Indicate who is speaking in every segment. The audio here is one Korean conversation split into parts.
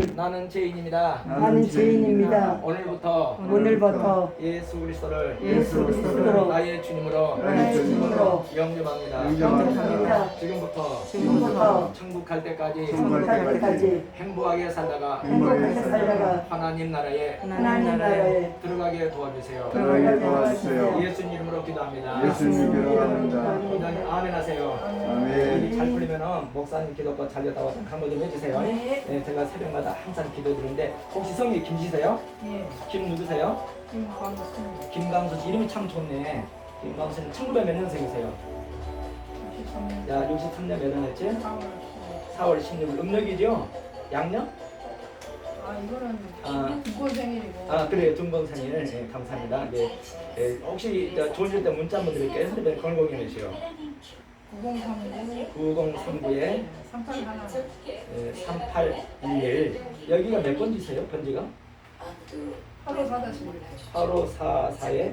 Speaker 1: 나는 죄인입니다.
Speaker 2: 나는 죄인입니다.
Speaker 1: 오늘부터 예수 그리스도를
Speaker 2: 그리스도로
Speaker 1: 나의 주님으로
Speaker 2: 나의 주님으로
Speaker 1: 영접합니다.
Speaker 2: 영접합니다.
Speaker 1: 지금부터 천국 갈 때까지 행복하게 살다가
Speaker 2: 행복하게 살다가
Speaker 1: 하나님 나라에
Speaker 2: 하나님 나라에
Speaker 1: 들어가게 도와주세요.
Speaker 2: 들어가게 도와주세요.
Speaker 1: 예수님 이름으로 기도합니다.
Speaker 2: 예수님 기도합니다.
Speaker 1: 원장님 아멘 하세요.
Speaker 2: 아멘.
Speaker 1: 일이 잘 풀리면은 목사님 기도가 잘 됐다고 한번 좀 해주세요. 네, 제가 새벽마다 항상 기도드리는데 혹시 성이 김씨세요?
Speaker 3: 예,
Speaker 1: 김 누구세요?
Speaker 3: 김광수님,
Speaker 1: 김강수 씨 이름이 참 좋네. 김강수 씨는 1900 몇 년생이세요?
Speaker 3: 63년
Speaker 1: 야 63년 몇 년했지?
Speaker 3: 4월
Speaker 1: 4월 16일 음력이죠? 양력?
Speaker 3: 이거는
Speaker 1: 아.
Speaker 3: 국고 생일이고.
Speaker 1: 그래요. 중봉생일. 네, 감사합니다. 네, 혹시 좋으실 때 문자 한번 드릴게요. 핸드폰 건공이 몇이요?
Speaker 3: 9039
Speaker 1: 9039에
Speaker 3: 3811
Speaker 1: 3811 여기가 몇 번지세요? 번지가?
Speaker 3: 854-11
Speaker 1: 8544에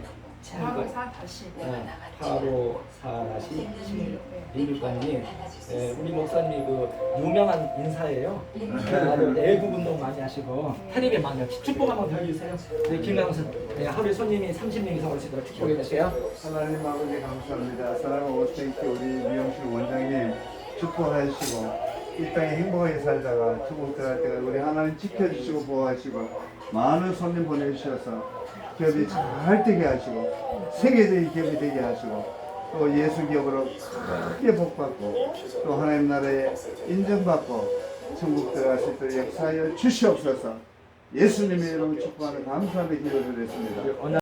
Speaker 3: 854-16
Speaker 1: 8544-16번이 우리 목사님이 그 유명한 인사예요. 아주 애국 운동 많이 하시고 텔레비에 많이 축복 한번 드려주세요. 네, 김강수 하루에 손님이 30명 이상 오시도록 축복해 주세요.
Speaker 2: 하나님 아버지 감사합니다. 사랑하는 오스테이크 우리 미용실 원장님 축복하시고 이 땅에 행복하게 살다가 천국 들어갈 때가 우리 하나님 지켜주시고 보호하시고 많은 손님 보내주셔서 기업이 잘 되게 하시고 세계적인 기업이 되게 하시고 또 예수 기업으로 크게 복받고 또 하나님 나라에 인정받고 천국 들어갈 수 있도록 역사하여 주시옵소서. 예수님의 이름으로 축복하는 감사의 기도를 드렸습니다.